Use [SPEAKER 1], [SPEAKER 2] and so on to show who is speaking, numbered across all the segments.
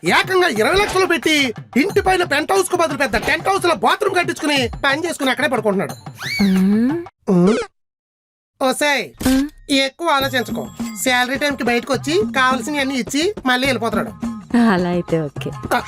[SPEAKER 1] ఏకంగా 20 లక్షలు పెట్టి ఇంటి పైన పెంట్ హౌస్ కు బదులు పెద్ద టెంట్ హౌస్ లో బాత్రూమ్ కట్టించుకుని పని చేసుకుని అక్కడే పడుకుంటున్నాడు. ఓసాయ్ ఎక్కువ ఆలోచించుకో. శాలరీ టైం కి బయటకు వచ్చి కావాల్సినవన్నీ ఇచ్చి మళ్ళీ వెళ్ళిపోతున్నాడు.
[SPEAKER 2] అలా అయితే ఓకే.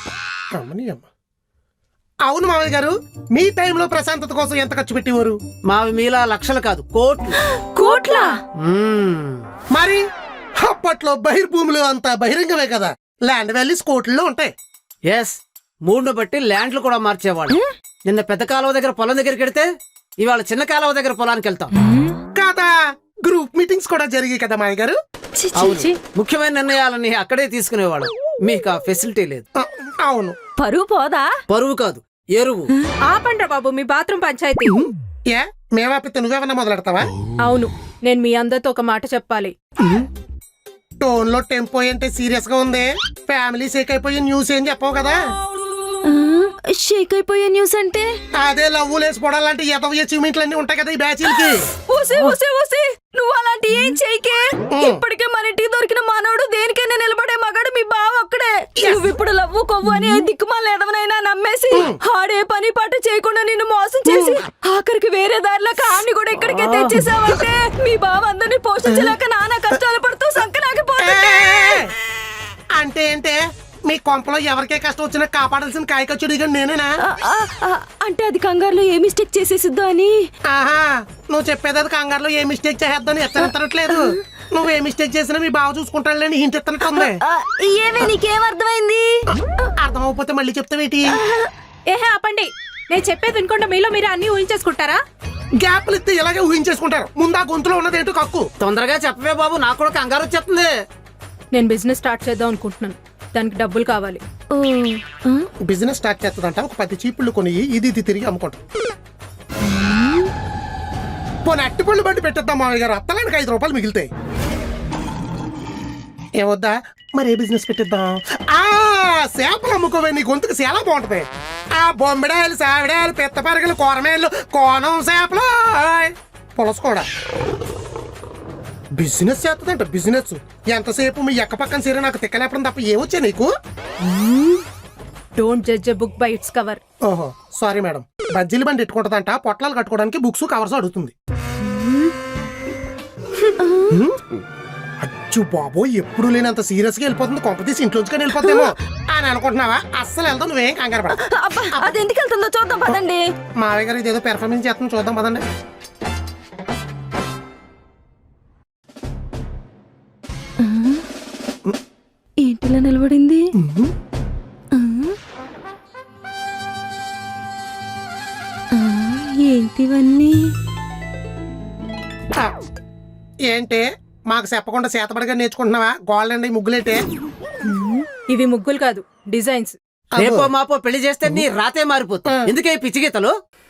[SPEAKER 1] అవును మామయ్య గారు, మీ టైంలో ప్రశాంతత కోసం ఎంత ఖర్చు పెట్టేవారు?
[SPEAKER 3] మావి మీలా లక్షలు కాదు, కోట్లు.
[SPEAKER 2] కోట్లా?
[SPEAKER 1] మరి అప్పట్లో బహిర్భూములు అంతా బహిరంగమే కదా, ల్యాండ్ వాల్యూస్ కోట్లలో ఉంటాయి.
[SPEAKER 3] ఎస్, మూడును బట్టి ల్యాండ్లు కూడా మార్చేవాళ్ళు. నిన్న పెద్ద కాలువ దగ్గర పొలం దగ్గరికి వెడితే ఇవాళ చిన్న కాలువ దగ్గర పొలానికి వెళ్తాం
[SPEAKER 1] కదా. గ్రూప్ మీటింగ్స్ కూడా జరిగాయి కదా మామయ్య గారు.
[SPEAKER 3] అవును, ముఖ్యమైన నిర్ణయాలని అక్కడే తీసుకునేవాడు. మీకు ఆ ఫెసిలిటీ లేదు.
[SPEAKER 1] అవును.
[SPEAKER 2] పరువు పోదా?
[SPEAKER 3] పరువు కాదు, ఎరువు.
[SPEAKER 4] ఆపండ్రా బాబు మీ బాత్రూమ్ పంచాయతీ.
[SPEAKER 1] ఏ మేవాపితే నువ్వేమన్నా మొదలెడతావా?
[SPEAKER 4] అవును, నేను మీ అందరితో ఒక మాట చెప్పాలి.
[SPEAKER 1] టోన్ లో టెంపో అంటే సీరియస్ గా ఉంది. ఫ్యామిలీ షేక్ అయిపోయి న్యూస్ ఏం చెప్పవు కదా.
[SPEAKER 2] షేక్ అయిపోయే న్యూస్ అంటే
[SPEAKER 1] అదే లవ్వు లేసిపోవడం లాంటి ఎదవ అచీవ్మెంట్లు అన్ని ఉంటాయి కదా ఈ బ్యాచీలకి.
[SPEAKER 2] నువ్వు అలాంటి ఏం చేయకే. ఇప్పటికే మన ఇంటికి దొరికిన మనోడు దేనికైనా నిలబడే మగాడు మీ బావ ఒక్కడే. నువ్వు ఇప్పుడు లవ్వు కొవ్వు అని ఏ దిక్కుమాల ఎదవనైనా నమ్మేసి ఆడే పని పాట చేయకుండా నిన్ను మోసం చేసి ఆఖరికి వేరే దారిలోకి ఆడిని కూడా ఇక్కడికే తెచ్చేసావంటే మీ బావ అందరినీ పోషించలేక నానా కష్టాలు పడుతూ సంకనాగిపోతుంటే.
[SPEAKER 1] అంటే ఏంటే మీ కొంపలో ఎవరికే కష్టం వచ్చినా కాపాడాల్సిన కాయకచ్చుడి నేనేనా?
[SPEAKER 2] అంటే అది కంగారులో ఏ మిస్టేక్ చేసేసిద్దో అని.
[SPEAKER 1] ఆహా, నువ్వు చెప్పేది అది కంగారులో ఏ మిస్టేక్ చేద్దాని ఎత్తనెత్తనట్లేదు. నువ్వు ఏ మిస్టేక్ చేసినా మీ బావ చూసుకుంటాడులేని హింట్ ఎత్తనట్టుంది.
[SPEAKER 2] ఏమే నీకేం అర్థమైంది?
[SPEAKER 1] అర్థమైపోతే మళ్ళీ చెప్తావేటి?
[SPEAKER 4] ఏహే ఆపండి, నేను చెప్పేది వినకుండా మీలో మీరు అన్ని ఊహించేసుకుంటారా?
[SPEAKER 1] గ్యాప్లు ఇస్తే ఇలాగే ఊహించేసుకుంటారు. ముందు ఆ గొంతులో ఉన్నది ఏంటో కక్కు.
[SPEAKER 3] తొందరగా చెప్పవే బాబు, నాకు కూడా కంగారు వచ్చేస్తుంది.
[SPEAKER 4] నేను బిజినెస్ స్టార్ట్ చేద్దాం అనుకుంటున్నాను, దానికి డబ్బులు కావాలి.
[SPEAKER 1] బిజినెస్ స్టార్ట్ చేస్తుందంట. ఒక 10 చీపుళ్ళు కొని ఇది తిరిగి అమ్ముకుంటాం. పోనీ అట్టిపళ్ళు బట్టి పెట్టేద్దాం మామయ్య గారు, అత్తలానికి 5 రూపాయలు మిగులుతాయి. ఏవద్దా మరి ఏ బిజినెస్ పెట్టిద్దాం? చేపలు అమ్ముకోవే, నీ గొంతుకు చాలా బాగుంటది. ఆ బొమ్మిడాయలు, సావిడాయలు, పెద్ద పరగలు, కూరమేళ్ళు, కోనం చేపలు, పులస కూడా. బిజినెస్ చేస్తుందంట. బిజినెస్ ఎంతసేపు మీ ఎక్క పక్కన సరే నాకు తిక్కలేపడం తప్ప ఏమొచ్చా నీకు?
[SPEAKER 4] Don't judge a book by its cover.
[SPEAKER 1] ఓహో సారీ మేడం. బజ్జీలు బండి ఎట్టుకుంటదంట, పొట్లాలు కట్టుకోవడానికి బుక్స్ కవర్స్ అడుగుతుంది. అచ్చు బాబో, ఎప్పుడు లేనంత సీరియస్ గా వెళ్ళిపోతుంది. కొంపతీసి ఇంట్లోంచి వెళ్ళిపోతామో అని అనుకుంటున్నావా? అస్సలు వెళ్తాం, నువ్వేం కంగారు పడ.
[SPEAKER 2] అది ఎందుకు వెళ్తుందో చూద్దాం పదండి.
[SPEAKER 1] మావయ్య గారు ఇదేదో పెర్ఫార్మెన్స్ చేస్తాం, చూద్దాం పదండి.
[SPEAKER 2] ఏంటిలా నిలబడింది? ఏంటివన్నీ?
[SPEAKER 1] ఏంటి మాకు చెప్పకుండా చేతబడిగా నేర్చుకుంటున్నావా? గోల్డ్ అండి ముగ్గులేంటే?
[SPEAKER 4] ఇవి ముగ్గులు కాదు, డిజైన్స్.
[SPEAKER 3] రేపో మాపో పెళ్లి చేస్తే నీ రాతే మారిపోతుంది. ఎందుకే పిచ్చి గీతలు?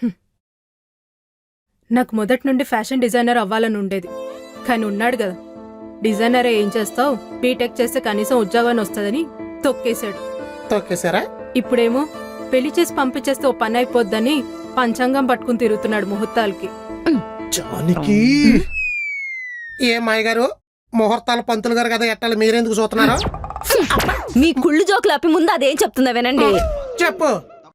[SPEAKER 4] నాకు మొదటి నుండి ఫ్యాషన్ డిజైనర్ అవ్వాలని ఉండేది, కానీ ఉన్నాడు కదా డిజైనరే, ఏం చేస్తావు, బీటెక్ చేస్తే కనీసం ఉద్యోగాన్ని వస్తుందని తొక్కేశాడు.
[SPEAKER 1] తొక్కేశారా?
[SPEAKER 4] ఇప్పుడేమో పెళ్లి చేసి పంపించేస్తే ఓ పని అయిపోద్దని పంచాంగం పట్టుకుని తిరుగుతున్నాడు ముహూర్తాలకి.
[SPEAKER 1] జానికి ఏ మాయ గారు, ముహూర్తాలు పంతులు గారు కదా ఎట్టాలి, మీరెందుకు చూస్తున్నారు?
[SPEAKER 2] మీ కుళ్ళు జోకులు ఆపి ముందు అదేం చెప్తుందా వినండి.
[SPEAKER 1] చెప్పు.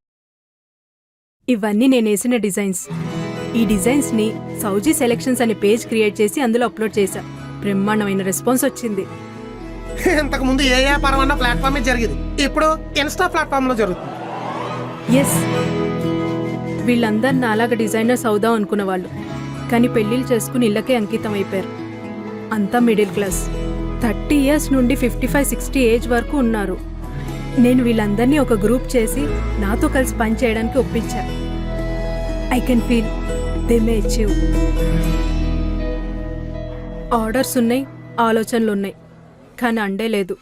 [SPEAKER 4] ఇవన్నీ నేను వేసిన డిజైన్స్. ఈ డిజైన్స్ ని సౌజీ సెలెక్షన్స్ అనే పేజ్ క్రియేట్ చేసి అందులో అప్లోడ్ చేశా. బ్రహ్మాండమైన రెస్పాన్స్ వచ్చింది.
[SPEAKER 1] ఇంతకు ముందు ఏ వ్యాపారం అన్న ప్లాట్ఫామ్ జరిగింది, ఇప్పుడు ఇన్స్టా ప్లాట్ఫామ్ లో జరుగుతుంది.
[SPEAKER 4] ఎస్, వీళ్ళందరు నాలాగా డిజైనర్స్ అవుదాం అనుకున్న వాళ్ళు, కానీ పెళ్లిళ్ళు చేసుకుని ఇళ్ళకే అంకితం అయిపోయారు. అంతా మిడిల్ క్లాస్. 30 years నుండి 55-60 ఏజ్ వరకు ఉన్నారు. నేను వీళ్ళందరినీ ఒక గ్రూప్ చేసి నాతో కలిసి పని చేయడానికి ఒప్పించా. I can feel they may achieve. Orders ఉన్నాయి, ఆలోచనలు ఉన్నాయి, కానీ అండే లేదు.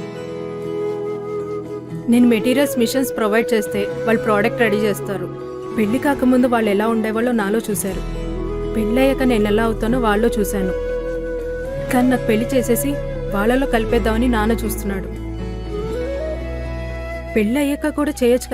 [SPEAKER 4] నేను మెటీరియల్స్, మిషన్స్ ప్రొవైడ్ చేస్తే వాళ్ళు ప్రోడక్ట్ రెడీ చేస్తారు. పెళ్లి కాకముందు వాళ్ళు ఎలా ఉండేవాళ్ళో నాలో చూశారు, పెళ్ళయ్యాక నేను ఎలా అవుతానో వాళ్ళలో చూశాను. కానీ నాకు పెళ్లి చేసేసి వాళ్ళలో కలిపేద్దామని నాన్న చూస్తున్నాడు. పెళ్ళయ్యాక కూడా చేయొచ్చు